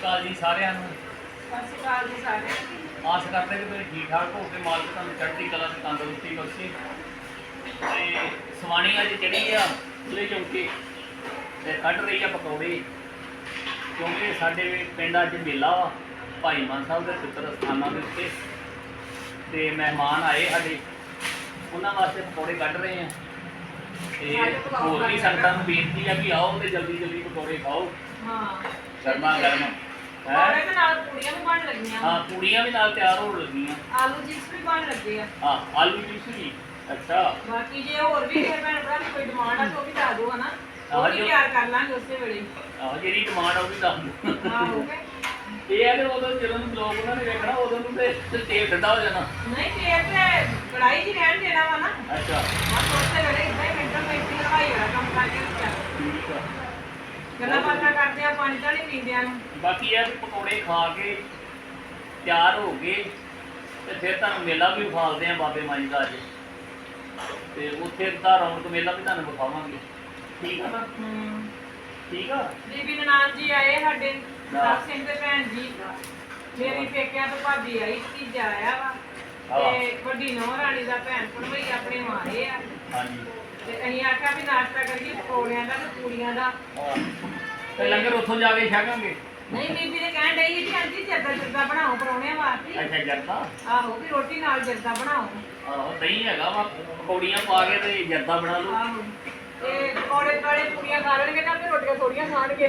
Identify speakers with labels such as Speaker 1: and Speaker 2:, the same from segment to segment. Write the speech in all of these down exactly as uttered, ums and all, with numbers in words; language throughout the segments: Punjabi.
Speaker 1: ਅਕਾਲ ਜੀ ਸਾਰਿਆਂ ਨੂੰ।
Speaker 2: ਸਤਿ ਸ਼੍ਰੀ ਅਕਾਲ ਜੀ ਸਾਰਿਆਂ ਨੂੰ।
Speaker 1: ਆਸ ਕਰਦੇ ਕਿ ਤੁਸੀਂ ਠੀਕ ਠਾਕ ਹੋ ਕੇ ਮਾਲਕ ਤੁਹਾਨੂੰ ਚੜ੍ਹਦੀ ਕਲਾ ਤੇ ਤੰਦਰੁਸਤੀ ਬਖਸ਼ੇ। ਤੇ ਸਵਾਣੀ ਅੱਜ ਚੜੀ ਆ ਖੁੱਲੇ ਚੌਂਕੇ ਤੇ ਕੱਢ ਰਹੀ ਆ ਪਕੌੜੇ, ਕਿਉਂਕਿ ਸਾਡੇ ਪਿੰਡ ਅੱਜ ਮੇਲਾ ਵਾ ਭਾਈ ਮਾਨ ਸਾਹਿਬ ਦੇ ਪਿੱਤਰ ਸਥਾਨਾਂ ਦੇ ਉੱਤੇ, ਤੇ ਮਹਿਮਾਨ ਆਏ ਸਾਡੇ, ਉਹਨਾਂ ਵਾਸਤੇ ਪਕੌੜੇ ਕੱਢ ਰਹੇ ਆ। ਤੇ ਹੋਰ ਵੀ ਸੰਗਤਾਂ ਨੂੰ ਬੇਨਤੀ ਆ ਕਿ ਆਓ ਤੇ ਜਲਦੀ ਜਲਦੀ ਪਕੌੜੇ ਖਾਓ।
Speaker 2: ਹਾਂ
Speaker 1: ਗਰਮਾ ਗਰਮ
Speaker 2: ਪਕੌੜੇ ਦੇ ਨਾਲ ਪੂੜੀਆਂ ਵੀ ਬਣ ਲੱਗੀਆਂ।
Speaker 1: ਹਾਂ ਪੂੜੀਆਂ ਵੀ ਨਾਲ ਤਿਆਰ ਹੋਣ ਲੱਗੀਆਂ।
Speaker 2: ਆਲੂ ਚਿਪਸ ਵੀ ਬਣ ਲੱਗੇ ਆ।
Speaker 1: ਹਾਂ ਆਲੂ ਚਿਪਸ ਵੀ। ਅੱਛਾ
Speaker 2: ਬਾਕੀ ਜੇ ਹੋਰ ਵੀ ਕਿਸੇ ਭੈਣ ਭਰਾ ਦੀ ਕੋਈ ਡਿਮਾਂਡ ਆ ਤਾਂ ਉਹ ਵੀ ਦੱਸ ਦਿਓ ਹਨਾ, ਉਹ
Speaker 1: ਹਾਂ,
Speaker 2: ਵੀ
Speaker 1: ਜੋ-
Speaker 2: ਤਿਆਰ ਕਰ ਲਾਂਗੇ ਉਸੇ ਵੇਲੇ।
Speaker 1: ਆਹੋ ਜਿਹੜੀ ਡਿਮਾਂਡ ਆ ਉਹ ਵੀ ਦੱਸ ਦਿਓ।
Speaker 2: ਹਾਂ ਹੋ ਗਏ।
Speaker 1: ਇਹ ਹੈ ਕਿ ਉਦੋਂ ਜਦੋਂ ਨੂੰ ਬਲੌਗ ਉਹਨਾਂ ਨੇ ਵੇਖਣਾ ਉਦੋਂ ਨੂੰ ਤੇ ਤੇਲ ਠੰਡਾ ਹੋ ਜਾਣਾ।
Speaker 2: ਨਹੀਂ ਫੇਰ ਤੇ ਕੜਾਈ 'ਚ ਹੀ ਰਹਿਣ ਦੇਣਾ ਵਾ ਨਾ,
Speaker 1: ਅੱਛਾ
Speaker 2: ਬਸ ਉਸੇ ਵੇਲੇ ਇਦਾਂ ਹੀ ਮਿੰਟਾਂ ਮਿੰਟੀ ਲਵਾਈ ਵਾਲਾ ਕੰਮ ਕਰਕੇ ਚੱਲ
Speaker 1: ਠੀਕ ਆ।
Speaker 2: ਗੱਲਾਂ ਬਾਤਾਂ ਕਰਦੇ ਆ, ਪਾਣੀ ਤਾਂ ਨਹੀਂ ਪੀਂਦਿਆਂ ਨੂੰ।
Speaker 1: ਬਾਕੀ ਇਹ ਵੀ ਪਕੌੜੇ ਖਾ ਕੇ ਤਿਆਰ ਹੋ ਗਏ ਤੇ ਫਿਰ ਤੁਹਾਨੂੰ ਮੇਲਾ ਵੀ ਵਿਖਾਲਦੇ ਆ ਬਾਬੇ ਮਾਈ ਦਾ ਅੱਜ, ਤੇ ਉੱਥੇ ਦਾ ਰੌਣਕ ਮੇਲਾ ਵੀ ਤੁਹਾਨੂੰ ਵਿਖਾਵਾਂਗੇ। ਠੀਕ ਆ ਨਾ?
Speaker 2: ਹੂੰ
Speaker 1: ਠੀਕ ਆ।
Speaker 2: ਬੀਬੀ ਨਨਾਣ ਜੀ ਆਏ ਸਾਡੇ,
Speaker 1: ਹਾਂ।
Speaker 2: ਸਾਹਿਬ ਸਿੰਘ ਦੇ ਭੈਣ ਜੀ, ਮੇਰੀ ਪੇਕਿਆਂ ਤੋਂ ਭਾਬੀ ਆਈ, ਭਤੀਜਾ ਆਇਆ ਵਾ,
Speaker 1: ਹਾਂ।
Speaker 2: ਤੇ ਵੱਡੀ ਨੂੰਹ ਰਾਣੀ ਦਾ ਭੈਣ ਭਣਵਈ ਆਪਣੇ ਮਾਰੇ ਆ,
Speaker 1: ਹਾਂਜੀ
Speaker 2: ਤੇ ਅਸੀਂ ਆਖਿਆ ਵੀ ਨਾਸ਼ਤਾ ਕਰੀਏ ਪਕੌੜਿਆਂ ਦਾ ਤੇ ਪੂੜੀਆਂ ਦਾ।
Speaker 1: ਹਾਂ। ਤੇ ਲੰਗਰ ਉੱਥੋਂ ਜਾ ਕੇ ਛਕਾਂਗੇ।
Speaker 2: ਨਹੀਂ ਬੀਬੀ ਨੇ ਕਹਿਣ ਡਈ ਸੀ ਆਂਟੀ ਜਰਦਾ ਜਰਦਾ ਬਣਾਓ ਪਰੌਣਿਆਂ ਵਾਸਤੇ।
Speaker 1: ਅੱਛਾ ਜਰਦਾ।
Speaker 2: ਆਹੋ ਵੀ ਰੋਟੀ ਨਾਲ ਜਰਦਾ ਬਣਾਓ।
Speaker 1: ਆਹੋ ਦਹੀਂ ਹੈਗਾ ਵਾ, ਪਕੌੜੀਆਂ ਪਾ ਕੇ ਤੇ ਜਰਦਾ ਬਣਾ ਲਓ।
Speaker 2: ਆਹੋ ਤੇ ਪਕੌੜੇ ਕਾਲੇ ਪੂੜੀਆਂ ਖਾ ਲੈਣਗੇ ਤਾਂ ਫਿਰ ਰੋਟੀਆਂ ਥੋੜੀਆਂ ਖਾਣਗੇ।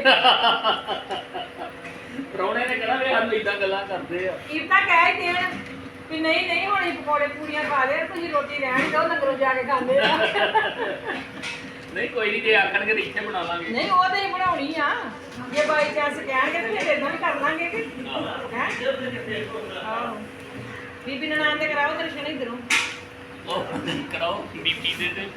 Speaker 1: ਪ੍ਰਾਹੁਣੇ ਨੇ ਕਹਿਣਾ ਵੀ ਸਾਨੂੰ ਏਦਾਂ ਗੱਲਾਂ ਕਰਦੇ ਆ।
Speaker 2: ਇਹ ਤਾਂ ਕਹਿ ਹੀ ਦੇਣ ਵੀ ਨਹੀਂ ਨਹੀਂ ਹੁਣ ਅਸੀਂ ਪਕੌੜੇ ਪੂੜੀਆਂ ਖਾ ਲਏ, ਤੁਸੀਂ ਰੋਟੀ ਰਹਿਣ ਦਿਓ, ਲੰਗਰੋਂ ਜਾ ਕੇ ਖਾਂਦੇ ਆ।
Speaker 1: ਨਹੀਂ ਕੋਈ ਨਹੀਂ, ਜੇ ਆਖਣਗੇ ਤਾਂ ਇੱਥੇ ਬਣਾ ਲਾਂਗੇ।
Speaker 2: ਨਹੀਂ ਉਹ ਤਾਂ ਹੀ ਬਣਾਉਣੀ ਆ, ਜੇ ਬਾਈ ਚਾਂਸ ਕਹਿਣਗੇ ਤਾਂ ਫਿਰ ਇਦਾਂ ਵੀ ਕਰ ਲਾਂਗੇ ਕਿ ਹੈ। ਆਹੋ ਬੀਬੀ ਨਨਾਣ ਦੇ ਕਰਾਓ ਦਰਸ਼ਨ ਇਧਰੋਂ।
Speaker 1: ਉਹ ਕਰਾਓ ਬੀਬੀ ਦੇ ਤੇ।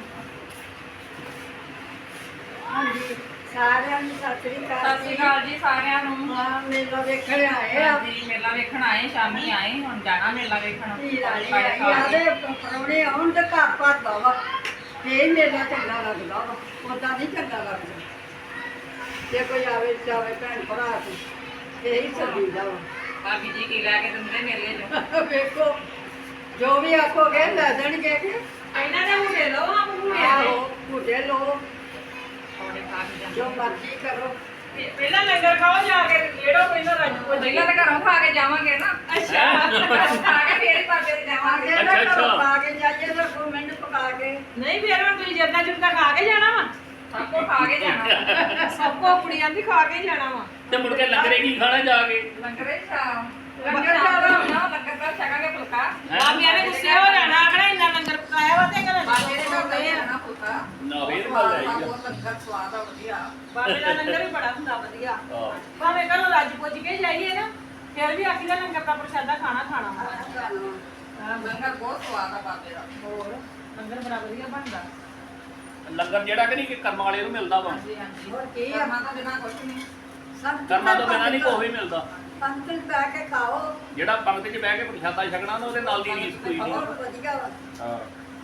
Speaker 3: ਹਾਂਜੀ ਸਾਰਿਆਂ ਨੂੰ ਸਤਿ ਸ੍ਰੀ ਅਕਾਲ
Speaker 4: ਸਤਿ ਸ਼੍ਰੀ ਅਕਾਲ ਜੀ ਸਾਰਿਆਂ ਨੂੰ।
Speaker 3: ਹਾਂ ਮੇਲਾ ਵੇਖਣ ਆਏ ਆ।
Speaker 4: ਜੀ ਮੇਲਾ ਵੇਖਣ ਆਏ, ਸ਼ਾਮੀ ਆਏ, ਹੁਣ ਜਾਣਾ ਮੇਲਾ ਵੇਖਣ।
Speaker 3: ਧੀ ਰਾਣੀ
Speaker 4: ਪਕੌੜੇ
Speaker 3: ਆਈ
Speaker 4: ਖਾ
Speaker 3: ਆ
Speaker 4: ਕੇ।
Speaker 3: ਤੇ ਪਰੌਣੇ ਆਉਣ ਤੇ ਘਰ ਭਰਦਾ ਵਾ, ਇਹ ਮੇਲਾ ਚੰਗਾ ਲੱਗਦਾ ਵਾ, ਉਦਾਂ ਨਹੀਂ ਚੰਗਾ ਲੱਗਦਾ। ਜੇ ਕੋਈ ਆਵੇ ਜਾਵੇ ਭੈਣ ਭਰਾ ਤੇ ਇਹੀ ਸਦੀਦਾ ਵਾ।
Speaker 4: ਭਾਬੀ ਜੀ ਕੀ ਲੈ ਕੇ ਦਿੰਦੇ ਮੇਲੇ ਚੋਂ?
Speaker 3: ਵੇਖੋ ਜੋ ਵੀ ਆਖੋਗੇ ਲੈ ਦੇਣਗੇ ਕਿ
Speaker 2: ਇਹਨਾਂ ਦੇ ਹੁਣੇ ਲਓ, ਆਪ ਹੁਣੇ
Speaker 3: ਆਹੋ ਭੁੱਟੇ ਲੋ
Speaker 4: ਪਕੌੜੇ ਖਾ ਕੇ ਜਾਂਦੇ।
Speaker 3: ਜੋ ਮਰਜ਼ੀ ਕਰੋ।
Speaker 2: ਪਹਿਲਾਂ ਲੰਗਰ ਖਾਓ ਜਾ ਕੇ, ਕਿਹੜਾ ਪਹਿਲਾਂ ਰਾਜਪੁਰ
Speaker 4: ਪਹਿਲਾਂ ਤਾਂ ਘਰੋਂ ਖਾ ਕੇ ਜਾਵਾਂਗੇ ਨਾ।
Speaker 2: ਅੱਛਾ
Speaker 4: ਖਾ ਕੇ ਫੇਰ ਹੀ ਬਾਬੇ ਦੇ ਜਾਵਾਂਗੇ।
Speaker 3: ਆਗੇ
Speaker 1: ਅੱਛਾ,
Speaker 3: ਨਾ
Speaker 1: ਅੱਛਾ।
Speaker 3: ਘਰੋਂ ਪਾ ਕੇ ਜਾਈਏ ਤਾਂ ਦੋ ਮਿੰਟ ਪਕਾ ਕੇ
Speaker 2: ਨਹੀਂ ਫਿਰ ਹੁਣ ਤੁਸੀਂ ਜਰਦਾ ਜੁਰਦਾ ਖਾ ਕੇ ਜਾਣਾ ਵਾ,
Speaker 4: ਸਭ ਕੋ ਖਾ ਕੇ ਜਾਣਾ।
Speaker 2: ਸਭ ਕੋ ਕੁੜੀਆਂ ਦੀ ਖਾ ਕੇ ਜਾਣਾ ਵਾ।
Speaker 1: ਤੇ ਮੁੜ ਕੇ ਲੰਗਰੇ ਕੀ ਖਾਣਾ ਜਾ ਕੇ?
Speaker 4: ਲੰਗਰੇ ਸ਼ਾਮ
Speaker 3: ਲੰਗਰ
Speaker 4: ਲੰਗਰ
Speaker 3: ਸ਼ਾਮ।
Speaker 4: ਹੋਣਾ, ਲੰਗਰ ਦਾ ਛਕਾਂਗੇ ਫੁਲਕਾ।
Speaker 1: ਹੈਂ?
Speaker 2: ਬਾਬਿਆਂ ਨੇ ਗੁੱਸੇ ਹੋ ਜਾਣਾ, ਆਖਣਾ ਇੰਨਾ ਲੰਗਰ ਪਕਾਇਆ ਵਾ ਤੇ ਘਰ
Speaker 4: ਬਾਬੇ ਦੇ ਨਾਲ
Speaker 2: ਦੇ
Speaker 4: ਜਾਣਾ ਫੁਲਕਾ।
Speaker 1: ਨਾ ਫੇਰ ਗੱਲ ਆਈ ਆ।
Speaker 4: ਬਹੁਤ ਲੰਗਰ ਸਵਾਦ ਆ, ਵਧੀਆ।
Speaker 2: ਬਾਬੇ ਦਾ ਲੰਗਰ ਵੀ ਬੜਾ ਹੁੰਦਾ ਵਧੀਆ।
Speaker 1: ਹਾਂ।
Speaker 2: ਭਾਵੇਂ ਘਰੋਂ ਰੱਜ ਪੁੱਜ ਕੇ ਜਾਈਏ ਨਾ, ਫਿਰ ਵੀ ਆਖੀ ਦਾ ਲੰਗਰ ਦਾ ਪ੍ਰਸ਼ਾਦਾ ਖਾਣਾ ਖਾਣਾ ਵਾ। ਹਾਂ,
Speaker 4: ਲੰਗਰ ਬਹੁਤ ਸਵਾਦ ਆ ਬਾਬੇ ਦਾ।
Speaker 2: ਹੋਰ ਲੰਗਰ ਬੜਾ ਵਧੀਆ ਬਣਦਾ।
Speaker 1: ਲੰਗਰ ਜਿਹੜਾ ਕਿ ਨਹੀਂ ਕਿ ਕਰਮ ਵਾਲੇ ਨੂੰ ਮਿਲਦਾ ਵਾ।
Speaker 4: ਹਾਂਜੀ ਹਾਂਜੀ।
Speaker 3: ਹੋਰ ਕੀ ਆ?
Speaker 4: ਕਰਮਾਂ ਤੋਂ ਬਿਨਾਂ ਕੁਛ ਨਹੀਂ।
Speaker 3: ਸਭ
Speaker 1: ਕਰਮਾਂ ਤੋਂ ਬਿਨਾਂ ਨਹੀਂ ਕੋਈ ਵੀ ਮਿਲਦਾ।
Speaker 3: ਪੰਕਤੀ ਬਹਿ ਕੇ ਖਾਓ
Speaker 1: ਜਿਹੜਾ ਪੰਗਤ 'ਚ ਬਹਿ ਕੇ ਪ੍ਰਸ਼ਾਦਾ ਛਕਣਾ ਨਾ ਉਹਦੇ ਨਾਲ ਦੀ ਰੀਸ ਕੋਈ ਨਹੀਂ।
Speaker 3: ਬਹੁਤ ਵਧੀਆ ਵਾ।
Speaker 1: ਹਾਂ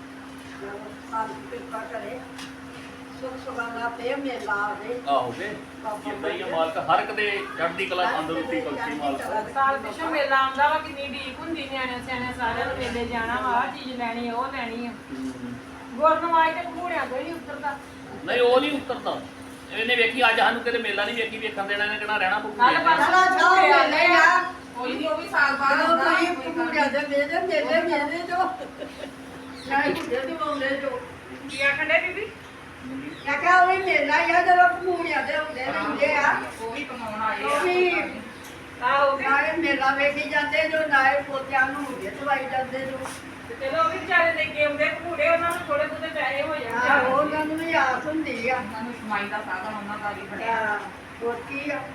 Speaker 3: ਸਾਡੀ ਕਿਰਪਾ ਕਰੇ, ਸੁਖ ਸੁਖਾਲਾ ਤੇ ਮੇਲਾ ਆਵੇ।
Speaker 1: ਆਹੋ ਕੇ ਜਿੱਦਾਂ ਹੀ ਆ ਮਾਲਕ ਹਰ ਇੱਕ ਦੇ ਚੜ੍ਹਦੀ ਕਲਾ ਤੰਦਰੁਸਤੀ ਬਖਸ਼ੀ ਮਾਲਕ।
Speaker 2: ਸਾਲ ਪਿਛੋਂ ਮੇਲਾ ਆਉਂਦਾ ਵਾ, ਕਿੰਨੀ ਢੀਕ ਹੁੰਦੀ ਨਿਆਣਿਆਂ ਸਿਆਣਿਆਂ ਸਾਰਿਆਂ ਨੂੰ ਮੇਲੇ ਜਾਣਾ ਵਾ, ਆਹ ਚੀਜ਼ ਲੈਣੀ ਉਹ ਲੈਣੀ ਆ। ਗੁਰਨਵਾਜ ਤੇ ਘੂੜਿਆਂ ਤੋਂ ਹੀ ਨਹੀਂ ਉਤਰਦਾ।
Speaker 1: ਨਹੀਂ ਉਹ ਨਹੀਂ ਉਤਰਦਾ। ਇਹਨੇ ਵੇਖੀ ਅੱਜ ਸਾਨੂੰ ਕਿਤੇ ਮੇਲਾ ਨਹੀਂ ਵੇਖੀ ਵੇਖਣ ਦੇਣਾ, ਇਹਨੇ ਕਿਹੜਾ ਰਹਿਣਾ
Speaker 2: ਕੱਲ
Speaker 1: ਪਊਗਾ।
Speaker 2: ਬਸ
Speaker 3: ਚਲਾ ਜਾਓ ਮੇਲੇ ਆ।
Speaker 4: ਕੋਈ ਨਹੀਂ, ਉਹ ਵੀ ਸਾਲ ਬਾਅਦ
Speaker 3: ਜਦੋਂ
Speaker 4: ਆਉਂਦਾ।
Speaker 3: ਤੁਸੀਂ
Speaker 4: ਕੋਈ ਗੱਲ
Speaker 3: ਕੁੜੀਆਂ ਦੇ ਮੇਲੇ ਮੇਲੇ ਮੇਲੇ ਜੋ ਚਾਹੇ ਕੁੜੇ ਦੇ ਮੌਲੇ ਜੋ
Speaker 2: ਕੀ ਆਖਣ ਡੇ ਬੀਬੀ?
Speaker 3: ਮੈਂ ਕਿਹਾ ਉਹ ਵੀ ਮੇਲਾ ਹੀ ਆ, ਜਦੋਂ ਕੁੜੀਆਂ ਦੇ ਹੁੰਦੇ ਰਹਿੰਦੇ ਆ
Speaker 4: ਉਹ ਵੀ ਕਮਾਉਣ ਆਏ
Speaker 3: ਉਹ ਵੀ
Speaker 2: ਆਹੋ
Speaker 3: ਨਾਲੇ ਮੇਲਾ ਵੇਖੀ ਜਾਂਦੇ ਜੋ, ਨਾਲੇ ਪੋਤਿਆਂ ਨੂੰ ਹੁੰਦੇ ਦਵਾਈ ਜਾਂਦੇ ਜੋ।
Speaker 2: ਤੇ ਚਲੋ ਉਹ ਵੀ ਵਿਚਾਰੇ ਲੈ ਕੇ ਆਉਂਦੇ ਘੂੜੇ, ਉਹਨਾਂ ਨੂੰ ਥੋੜੇ ਬਹੁਤੇ ਪੈਸੇ ਹੋ
Speaker 3: ਆਹ
Speaker 2: ਜਾਂਦੇ।
Speaker 3: ਉਹਨਾਂ ਨੂੰ ਵੀ ਆਸ ਹੁੰਦੀ ਆ।
Speaker 4: ਉਹਨਾਂ ਨੂੰ ਕਮਾਈ ਦਾ ਸਾਧਨ ਉਹਨਾਂ ਦਾ ਵੀ ਬਣਿਆ।
Speaker 3: ਆਹ, ਹੋਰ ਕੀ ਆ?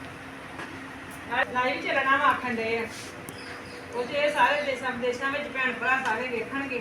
Speaker 2: ਲਾਈਵ ਚੱਲਣਾ ਵਾ ਆਖਣ ਡੇ ਆ, ਉਹ ਜੇ ਸਾਰੇ ਦੇਸ਼ਾਂ ਵਿਦੇਸ਼ਾਂ ਵਿੱਚ ਭੈਣ ਭਰਾ ਸਾਰੇ ਵੇਖਣਗੇ।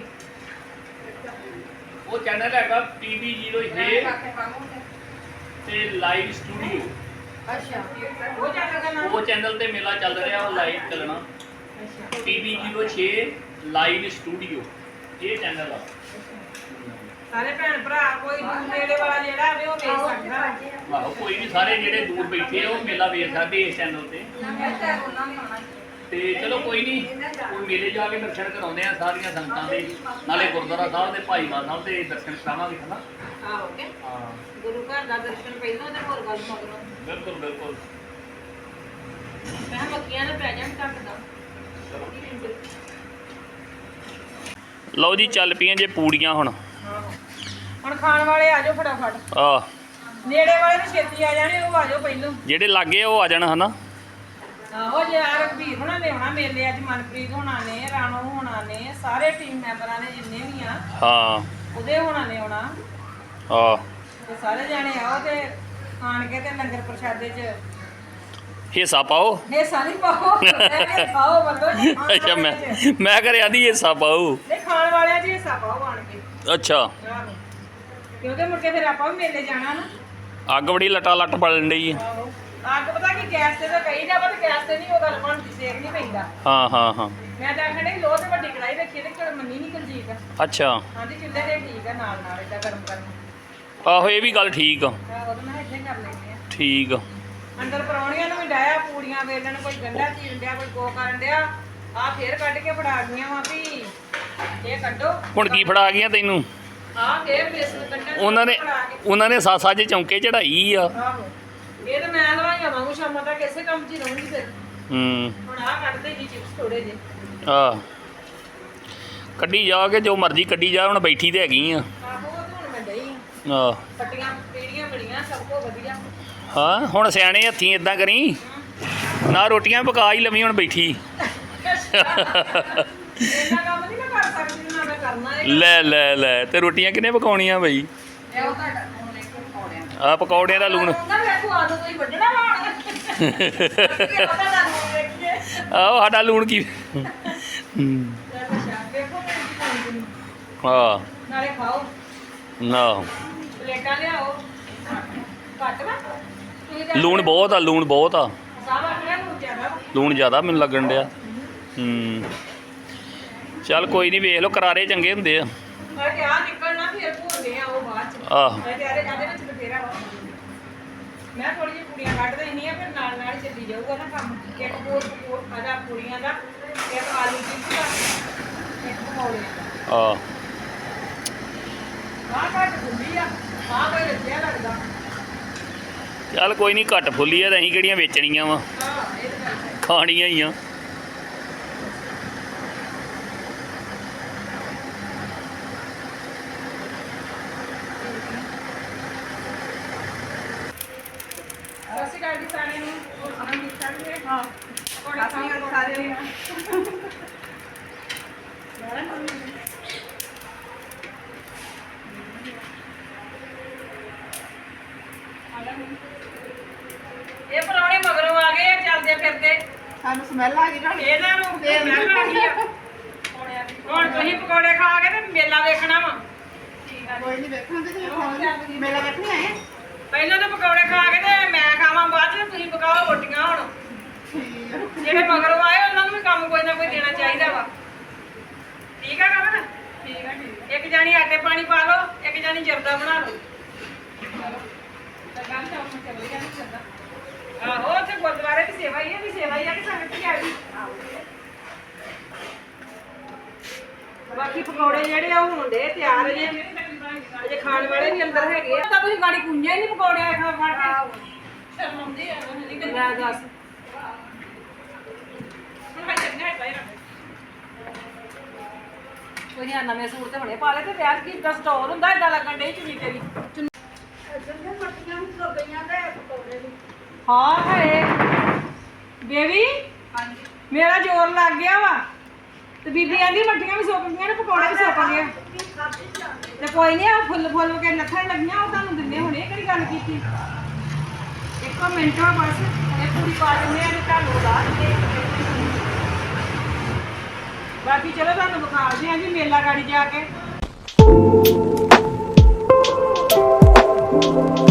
Speaker 1: ਉਹ ਚੈਨਲ ਹੈਗਾ ਪੀ ਬੀ ਜ਼ੀਰੋ ਛੇ
Speaker 4: ਕਾਕੇ ਪਾਉਂਗੇ।
Speaker 1: ਤੇ ਲਾਈਵ ਸਟੂਡੀਓ।
Speaker 3: ਅੱਛਾ
Speaker 2: ਉਹ ਚੱਲ ਦਾ ਨਾਮ
Speaker 1: ਉਹ ਚੈਨਲ ਤੇ ਮੇਲਾ ਚੱਲ ਰਿਹਾ, ਉਹ ਲਾਈਵ ਚੱਲਣਾ।
Speaker 2: ਅੱਛਾ
Speaker 1: ਪੀ ਬੀ ਜ਼ੀਰੋ ਛੇ ਲਾਈਵ ਸਟੂਡੀਓ ਇਹ ਚੈਨਲ ਆ।
Speaker 2: ਸਾਰੇ ਭੈਣ ਭਰਾ ਕੋਈ ਦੂਰ ਨੇੜੇ ਵਾਲਾ ਜਿਹੜਾ ਆਵੇ ਉਹ ਵੇਖ ਸਕਦਾ ਵਾ।
Speaker 1: ਆਹੋ ਕੋਈ ਵੀ ਸਾਰੇ ਜਿਹੜੇ ਦੂਰ ਬੈਠੇ ਆ ਉਹ ਮੇਲਾ ਵੇਖ ਸਕਦੇ ਇਸ ਚੈਨਲ ਤੇ
Speaker 4: ਉਹਨਾਂ ਨੇ ਆਉਣਾ
Speaker 1: ਤੇ ਚਲੋ ਕੋਈ ਨਹੀਂ ਹੁਣ ਮੇਲੇ ਜਾ ਕੇ ਦਰਸ਼ਨ ਕਰਾਉਂਦੇ ਆ ਸਾਰੀਆਂ ਸੰਗਤਾਂ ਦੇ ਨਾਲੇ ਗੁਰਦੁਆਰਾ ਸਾਹਿਬ ਦੇ ਭਾਈਵਾਲ ਸਾਹਿਬ ਦੇ ਦਰਸ਼ਨ ਕਰਾਵਾਂਗੇ ਹਨਾ
Speaker 2: ਆਹੋ ਕੇ
Speaker 1: ਹਾਂ
Speaker 2: ਗੁਰੂ ਘਰ ਦਾ ਦਰਸ਼ਨ ਪਹਿਲਾਂ ਤੇ ਹੋਰ ਗੱਲ ਮਗਰੋਂ
Speaker 1: ਬਿਲਕੁਲ ਬਿਲਕੁਲ
Speaker 2: ਮੈਂ ਮੱਕੀਆਂ ਦਾ ਪ੍ਰੈਜ਼ੈਂਟ ਕੱਟਦਾ
Speaker 1: ਲਓ ਜੀ ਚੱਲ ਪਈਆਂ ਜੇ ਪੂੜੀਆਂ ਹੁਣ
Speaker 2: ਹੁਣ ਖਾਣ ਵਾਲੇ ਆ ਜਾਓ ਫਟਾਫਟ
Speaker 1: ਆ
Speaker 2: ਨੇੜੇ ਵਾਲੇ ਨੂੰ ਛੇਤੀ ਆ ਜਾਣੇ ਉਹ ਆ ਜਾਓ ਪਹਿਲੋਂ
Speaker 1: ਜਿਹੜੇ ਲਾਗੇ ਉਹ ਆ ਜਾਣ ਹਨਾ
Speaker 2: ਆਹੋ ਜੇ ਆ ਰਘਬੀਰ ਹੋਣਾ ਨੇ ਆਉਣਾ ਮੇਲੇ ਅੱਜ ਮਨਪ੍ਰੀਤ ਹੋਣਾ ਨੇ ਰਾਣੋ ਹੋਣਾ ਨੇ ਸਾਰੇ ਟੀਮ ਮੈਂਬਰਾਂ ਨੇ ਜਿੰਨੇ ਵੀ ਆ
Speaker 1: ਹਾਂ
Speaker 2: ਉਹਦੇ ਹੋਣਾ ਨੇ ਆਉਣਾ
Speaker 1: ਆ
Speaker 2: ਤੇ ਸਾਰੇ ਜਾਣੇ ਆਓ ਤੇ ਆਣ ਕੇ ਤੇ ਲੰਗਰ ਪ੍ਰਸ਼ਾਦੇ ਚ
Speaker 1: ਹਿੱਸਾ ਪਾਓ
Speaker 2: ਇਹ ਸਾਰੇ ਪਾਓ ਇਹ ਖਾਓ ਬੰਦੋ
Speaker 1: ਅੱਛਾ ਮੈਂ ਮੈਂ ਕਰਿਆ ਦੀ ਹਿੱਸਾ ਪਾਓ
Speaker 2: ਤੇ ਖਾਣ ਵਾਲਿਆਂ ਜੀ ਹਿੱਸਾ ਪਾਓ ਆਣ ਕੇ
Speaker 1: ਅੱਛਾ
Speaker 2: ਆਹੋ। ਕਿਉਂਕਿ ਮੁੜ ਕੇ ਫਿਰ ਆਪਾਂ ਵੀ ਮੇਲੇ ਜਾਣਾ ਨਾ
Speaker 1: ਅੱਗ ਬੜੀ ਲਟਾ ਲੱਟ ਬਲਣ ਡਈ ਆ
Speaker 2: ਆਹੋ ਅੱਗ ਪਤਾ ਕਿ ਗੈਸ ਤੇ ਤਾਂ ਕਹੀ ਜਾ ਪਰ ਗੈਸ ਤੇ ਨਹੀਂ ਉਹ ਗੱਲ ਬਣਦੀ ਸੇਕ ਨਹੀਂ ਪੈਂਦਾ
Speaker 1: ਹਾਂ ਹਾਂ ਹਾਂ
Speaker 2: ਮੈਂ ਤਾਂ ਆਖਣ ਡਈ ਲੋਹ ਤੇ ਵੱਡੀ ਕੜਾਈ ਰੱਖੀ ਤੇ ਕਿਹੜਾ ਮੰਨੀ ਨਹੀਂ ਕੁਲਜੀਤ
Speaker 1: ਅੱਛਾ
Speaker 2: ਹਾਂਜੀ ਚੁੱਲ੍ਹੇ ਤੇ ਠੀਕ ਆ ਨਾਲ ਨਾਲ ਏਦਾਂ ਗਰਮ ਕਰਨ
Speaker 1: ਆਹੋ ਇਹ ਵੀ ਗੱਲ ਠੀਕ ਆ
Speaker 2: ਆਹੋ ਤੇ ਮੈਂ ਇੱਥੇ ਕਰ ਲੈਂਦੇ ਆ
Speaker 1: ਠੀਕ ਆ
Speaker 2: ਅੰਦਰ ਪਰੌਣੀਆਂ ਨੂੰ ਵੀ ਡਾਇਆ ਪੂੜੀਆਂ ਵੇਲਣ ਕੋਈ ਗੰਢਾ ਚੀਰਨ ਡਿਆ ਕੋਈ ਕੋ ਕਰਨ ਡਿਆ ਆ ਫੇਰ ਕੱਢ ਕੇ ਫੜਾ ਗਈਆਂ ਵਾ ਵੀ ਇਹ ਕੱਢੋ
Speaker 1: ਹੁਣ ਕੀ ਫੜਾ ਗਈਆਂ ਤੈਨੂੰ
Speaker 2: ਆ ਫੇਰ ਬੇਸਨ ਕੱਢਣ
Speaker 1: ਉਹਨਾਂ ਨੇ
Speaker 2: ਫੜਾ ਕੇ।
Speaker 1: ਉਹਨਾਂ ਨੇ ਸਾਸਾ ਜੇ ਚੌਂਕੇ ਚੜਾਈ ਆ
Speaker 2: ਆਹੋ ਇਹ ਤਾਂ ਮੈਂ ਲਵਾਈਆਂ ਵਾਂਗੂ ਸ਼ਾਮਾਂ ਤੱਕ ਇਸੇ ਕੰਮ 'ਚ ਹੀ ਰਹੂੰਗੀ ਫਿਰ
Speaker 1: ਹੂੰ
Speaker 2: ਹੁਣ ਆ ਕੱਢਦੇ ਜੀ ਚਿਪਸ ਥੋੜੇ ਜੇ
Speaker 1: ਆ ਕੱਢੀ ਜਾ ਕੇ ਜੋ ਮਰਜ਼ੀ ਕੱਢੀ ਜਾ ਹੁਣ ਬੈਠੀ ਤੇ ਹੈਗੀ ਆ
Speaker 2: ਆਹੋ ਉਹ ਤਾਂ ਹੁਣ ਮੈਂ ਡਈ
Speaker 1: ਆ
Speaker 2: ਪੱਟੀਆਂ ਪੀੜੀਆਂ ਮਿਲੀਆਂ ਸਭ ਕੋ ਵਧੀਆ
Speaker 1: ਹਾਂ ਹੁਣ ਸਿਆਣੇ ਹੱਥੀਂ ਇਦਾਂ ਕਰੀ ਨਾ ਰੋਟੀਆਂ ਪਕਾ ਹੀ ਲਵੀਂ ਹੁਣ ਬੈਠੀ
Speaker 2: ਇੰਨਾ ਕੰਮ ਨਹੀਂ ਮੈਂ ਕਰ ਸਕਦੀ ਨਾ ਮੈਂ ਕਰਨਾ ਹੈ
Speaker 1: ਲੈ ਲੈ ਲੈ ਤੇ ਰੋਟੀਆਂ ਕਿਹਨੇ ਪਕਾਉਣੀਆਂ ਬਈ
Speaker 4: ਇਹ ਉਹ ਤੁਹਾਡਾ ਹੁਣ ਇੱਕ ਪਕੌੜਿਆਂ
Speaker 1: ਆ ਪਕੌੜਿਆਂ ਦਾ ਲੂਣ
Speaker 2: ਉਹਨਾਂ ਵੇਖੋ ਆਲੂ ਕੋਈ ਵੱਢਣਾ ਵਾ ਕੀ ਪਤਾ ਲੱਗ ਵੇਖੀਏ
Speaker 1: ਆਹ ਸਾਡਾ ਲੂਣ ਕੀ ਹੂੰ
Speaker 2: ਅੱਛਾ ਵੇਖੋ ਮੈਂ ਕੀ ਪਾਉਂਦੀ
Speaker 1: ਆ
Speaker 2: ਨਾਲੇ ਖਾਓ
Speaker 1: ਨਾ
Speaker 2: ਪਲੇਟਾਂ ਲਿਆਓ ਘੱਟ ਵਾ ਤੁਸੀਂ ਤਾਂ
Speaker 1: ਲੂਣ ਬਹੁਤ ਆ ਲੂਣ ਬਹੁਤ ਆ
Speaker 2: ਸਾਹ ਆਖਿਆ ਨੂੰ ਜ਼ਿਆਦਾ
Speaker 1: ਲੂਣ ਜ਼ਿਆਦਾ ਮੈਨੂੰ ਲੱਗਣ ਡਿਆ ਹੂੰ ਚੱਲ ਕੋਈ ਨਹੀਂ ਵੇਖ ਲਓ ਕਰਾਰੇ ਚੰਗੇ ਹੁੰਦੇ ਆ
Speaker 2: ਮੈਂ ਕਿਹਾ ਨਿਕਲਣਾ ਫਿਰ ਭੁੱਲਦੇ ਆ ਉਹ ਬਾਅਦ ਚ
Speaker 1: ਆਹ
Speaker 2: ਮੈਂ ਤਿਆਰੇ ਜਾਂਦੇ ਵਿੱਚ ਬਥੇਰਾ ਵਾ ਮੈਂ ਥੋੜੀ ਜਿਹੀ ਕੁੜੀਆਂ ਕੱਢ ਦੇਣੀ ਆ ਫਿਰ ਨਾਲ ਨਾਲ ਹੀ ਚੱਲੀ ਜਾਊਗਾ ਨਾ ਕੰਮ ਇੱਕ ਹੋਰ ਹੋਰ ਆਦਾ ਕੁੜੀਆਂ ਦਾ ਇੱਕ ਆਲੂ ਚਿਪਸ ਦਾ ਇੱਕ ਪਕੌੜੇ ਦਾ
Speaker 1: ਆ
Speaker 2: ਆਹ ਘੱਟ ਖੁੱਲੀ ਆ ਆਹ ਕੋਈ ਰੱਜਿਆ ਲੱਗਦਾ
Speaker 1: ਚੱਲ ਕੋਈ ਨਹੀਂ ਘੱਟ ਫੁੱਲੀ ਆ ਤਾਂ ਅਸੀਂ ਕਿਹੜੀਆਂ ਵੇਚਣੀਆਂ ਵਾ
Speaker 2: ਹਾਂ ਇਹ ਤਾਂ ਗੱਲ ਹੈ
Speaker 1: ਖਾਣੀਆਂ ਹੀ ਆ
Speaker 2: ਸਤਿ ਸ਼੍ਰੀ ਅਕਾਲ ਜੀ ਸਾਰਿਆਂ ਨੂੰ ਹੋਰ ਸੁਣਾਓ ਠੀਕ ਠਾਕ ਜੀ ਹਾਂ ਕੋੜਾ
Speaker 4: ਸਤਿ ਸ਼੍ਰੀ ਅਕਾਲ ਸਾਰਿਆਂ ਨੂੰ।
Speaker 2: ਇਹ ਪਰੌਣੇ ਮਗਰੋਂ ਆ ਗਏ ਆ ਚੱਲਦੇ ਫਿਰਦੇ
Speaker 4: ਸਾਨੂੰ ਸਮੈਲ ਆ ਗਈ ਨਾ
Speaker 2: ਇਹਨਾਂ ਨੂੰ ਫੇਰ ਮੈਂ ਖਾ ਗਈ ਆ ਹੁਣ ਤੁਸੀਂ ਪਕੌੜੇ ਖਾ ਕੇ ਤੇ ਮੇਲਾ ਵੇਖਣਾ ਵਾ
Speaker 4: ਕੋਈ ਨਹੀਂ ਵੇਖਾਂਗੇ ਤੇ ਖਾਵਾਂਗੇ ਮੇਲਾ ਵੇਖਣ ਆਏ ਆ।
Speaker 2: ਪਹਿਲਾਂ ਤਾਂ ਪਕੌੜੇ ਖਾ ਕੇ ਤੇ ਮੈਂ ਖਾਵਾਂ ਬਾਅਦ ਚ ਤੁਸੀਂ ਪਕਾਓ ਰੋਟੀਆਂ ਹੁਣ
Speaker 4: ਠੀਕ ਆ।
Speaker 2: ਜਿਹੜੇ ਮਗਰੋਂ ਆਏ ਉਹਨਾਂ ਨੂੰ ਵੀ ਕੰਮ ਕੋਈ ਨਾ ਕੋਈ ਦੇਣਾ ਚਾਹੀਦਾ ਵਾ ਠੀਕ ਆ ਕਮਨ ਠੀਕ ਆ ਠੀਕ ਇੱਕ ਜਾਨੀ ਆਟੇ ਪਾਣੀ ਪਾ ਲਓ ਇੱਕ ਜਾਨੀ ਜਰਦਾ ਬਣਾ ਲਓ ਚਲੋ ਤਾਂ ਕੰਮ ਤਾਂ ਹੁਣ ਚੱਲ ਗਿਆ ਨਹੀਂ ਚੱਲਦਾ ਆਹੋ ਉੱਥੇ ਗੁਰਦੁਆਰੇ ਦੀ ਸੇਵਾ ਹੀ ਹੈ ਵੀ ਸੇਵਾ ਹੀ ਆ ਕਿ ਸੰਗਤ ਹੀ ਆ ਗਈ ਬਾਕੀ ਪਕੌੜੇ ਜਿਹੜੇ ਆ ਉਹ ਹੁੰਦੇ ਤਿਆਰ ਜੇ ਅਜੇ ਖਾਣ ਵਾਲੇ ਵੀ ਅੰਦਰ ਹੈਗੇ ਆ ਤਾਂ ਤੁਸੀਂ ਗਾੜੀ ਕੁੰਝੇ ਨਹੀਂ ਪਕੌੜੇ ਖਾ ਖਾ ਕੇ ਸ਼ਰਮਾਉਂਦੇ ਆ ਨਹੀਂ ਲੈ ਦੱਸ ਹੁਣ ਮੈਂ ਚੱਲਣਾ ਹੈ ਬਾਹਰ ਕੋਈ ਨਹੀਂ ਨਵੇਂ ਸੂਟ ਤੇ ਹੁਣੇ ਪਾ ਲੈ ਤੇ ਵਿਆਹ ਕੀ ਦਾ ਸਟੋਰ ਹੁੰਦਾ ਏਦਾਂ ਲੱਗਣ ਡਈ ਚੁੰਨੀ ਤੇਰੀ
Speaker 3: ਚੰਗੇ ਮੱਟੀਆਂ ਵੀ ਸੋ ਗਈਆਂ ਤੇ ਪਕੌੜੇ ਵੀ
Speaker 2: ਹਾਂ ਹੈ ਬੇਬੀ
Speaker 4: ਹਾਂਜੀ
Speaker 2: ਮੇਰਾ ਜ਼ੋਰ ਲੱਗ ਗਿਆ ਵਾ ਤੇ ਬੀਬੀ ਕਹਿੰਦੀ ਮੱਠੀਆਂ ਵੀ ਸੁੱਕ ਗਈਆਂ ਨੇ ਪਕੌੜੇ ਵੀ ਸੁੱਕ ਗਏ ਤੇ ਕੋਈ ਨਹੀਂ ਆ ਫੁੱਲ ਫੁੱਲ ਕੇ ਲੱਥਣ ਲੱਗੀਆਂ ਉਹ ਤੁਹਾਨੂੰ ਦਿੰਦੇ ਹੁਣੇ ਕਿਹੜੀ ਗੱਲ ਕੀਤੀ ਇੱਕੋ ਮਿੰਟ ਆ ਬਸ ਇਹ ਪੂਰੀ ਪਾ ਦਿੰਦੇ ਆ ਤੇ ਤੁਹਾਨੂੰ ਲਾ ਦਿੰਦੇ ਬਾਕੀ ਚਲੋ ਤੁਹਾਨੂੰ ਵਿਖਾਉਂਦੇ ਆ ਜੀ ਮੇਲਾ ਗਾੜੀ ਜਾ ਕੇ